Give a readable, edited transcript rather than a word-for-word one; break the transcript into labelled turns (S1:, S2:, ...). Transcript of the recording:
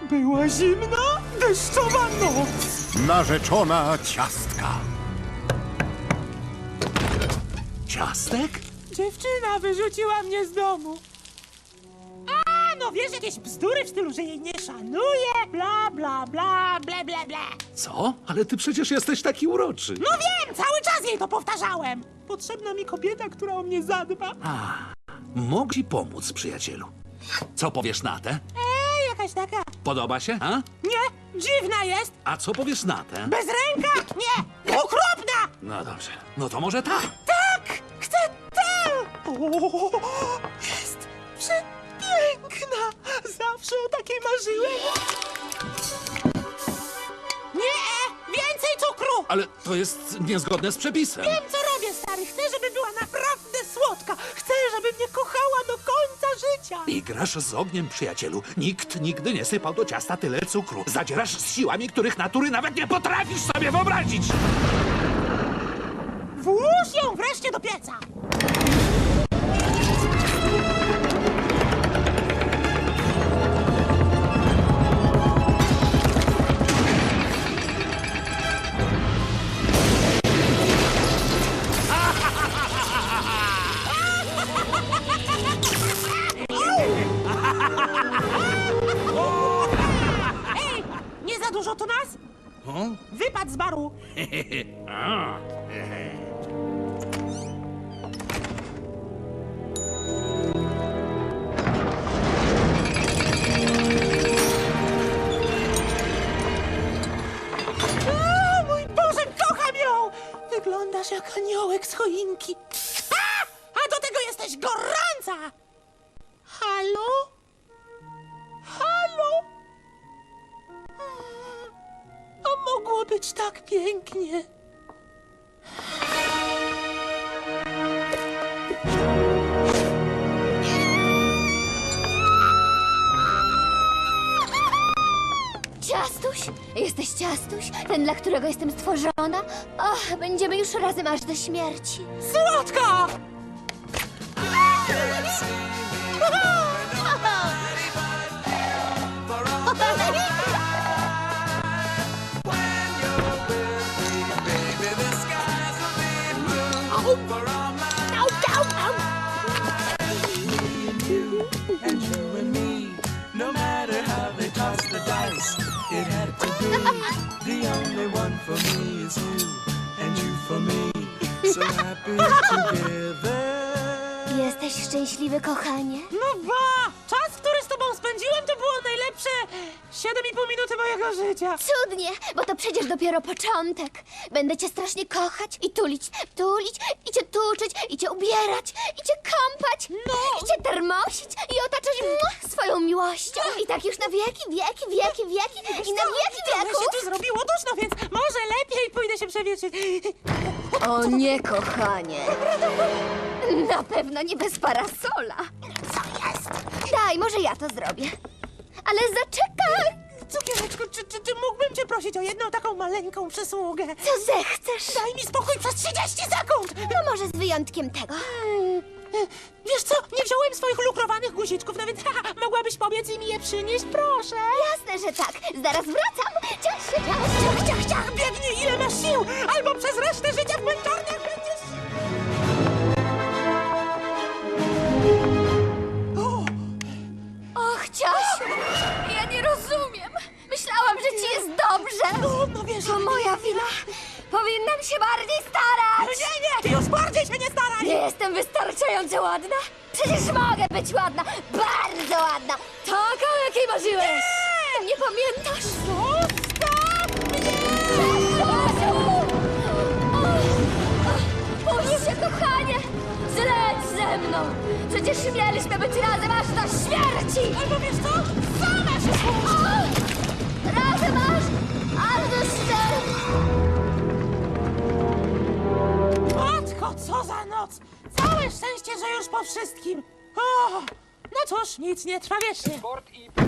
S1: Była zimna, deszczowa noc.
S2: Narzeczona ciastka.
S3: Ciastek?
S1: Dziewczyna wyrzuciła mnie z domu. A, no wiesz, jakieś bzdury w stylu, że jej nie szanuje, bla, bla, bla, ble, ble, ble.
S3: Co? Ale ty przecież jesteś taki uroczy.
S1: No wiem, cały czas jej to powtarzałem. Potrzebna mi kobieta, która o mnie zadba.
S3: Mogę ci pomóc, przyjacielu. Co powiesz na tę?
S1: Jakaś taka.
S3: Podoba się, a?
S1: Nie, dziwna jest.
S3: A co powiesz na tę?
S1: Bez ręka? Nie, okropna.
S3: No dobrze. No to może ta.
S1: Tak, chcę tę. O, jest przepiękna. Zawsze o takiej marzyłem. Nie, więcej cukru.
S3: Ale to jest niezgodne z przepisem.
S1: Wiem, co robię, stary. Chcę, żeby była naprawdę słodka. Chcę, żeby mnie kochała do końca życia.
S3: I grasz z ogniem, przyjacielu. Nikt nigdy nie sypał do ciasta tyle cukru. Zadzierasz z siłami, których natury nawet nie potrafisz sobie wyobrazić.
S1: Włóż ją wreszcie do pieca. Ej, nie za dużo tu nas? Wypadł z baru. O, mój Boże, kocham ją! Wyglądasz jak aniołek z choinki. A do tego jesteś gorąca! Halo? Halo? A mogło być tak pięknie.
S4: Ciastuś? Jesteś Ciastuś? Ten, dla którego jestem stworzona? Och, będziemy już razem aż do śmierci.
S1: Słodka!
S5: And you and me, no matter how they toss the dice, it had to be. The only one for me is you, and you for me. So happy together.
S4: Jesteś szczęśliwy, kochanie?
S1: No ba! Czas, który z tobą spędziłem, to było najlepsze 7,5 minuty mojego życia.
S4: Cudnie, bo to przecież dopiero początek. Będę cię strasznie kochać i tulić, i cię tuczyć, i cię ubierać, i cię kąpać, i cię termosić, i otaczać swoją miłością. I tak już na wieki, wieki, wieki, wieki, i na wieki
S1: Trochę
S4: wieków.
S1: się tu zrobiło duszno, więc może lepiej pójdę się przewietrzyć.
S4: O nie, kochanie. Na pewno nie bez parasola.
S1: Co jest?
S4: Daj, może ja to zrobię. Ale zaczekaj.
S1: Cukiereczku, czy mógłbym cię prosić o jedną taką maleńką przysługę?
S4: Co zechcesz?
S1: Daj mi spokój przez 30 sekund!
S4: No może z wyjątkiem tego.
S1: Wiesz co, nie wziąłem swoich lukrowanych guziczków, no więc mogłabyś pobiec i mi je przynieść, proszę.
S4: Jasne, że tak. Zaraz wracam. Ciach się,
S1: Ciach, ciach, ciach, biegnij ile masz sił, albo przez resztę życia w męczarniach będziesz...
S4: Och, Ciasiu, ja nie rozumiem. Myślałam, że ci jest dobrze.
S1: No wiesz...
S4: To moja wina. Powinnam się bardziej starać.
S1: Nie, ty już bardziej się nie staraj!
S4: Nie jestem wystarczająco ładna. Przecież mogę być ładna. Bardzo ładna. Taka, o jakiej marzyłeś. Nie pamiętasz?
S1: Zostaw mnie!
S4: Puść się, kochanie! Zleć ze mną! Przecież mieliśmy być razem aż do śmierci!
S1: Albo wiesz co? Sama się słuchaj!
S4: Razem aż do śmierci!
S1: Matko, co za noc! Całe szczęście, że już po wszystkim. O, no cóż, nic nie trwa wiecznie.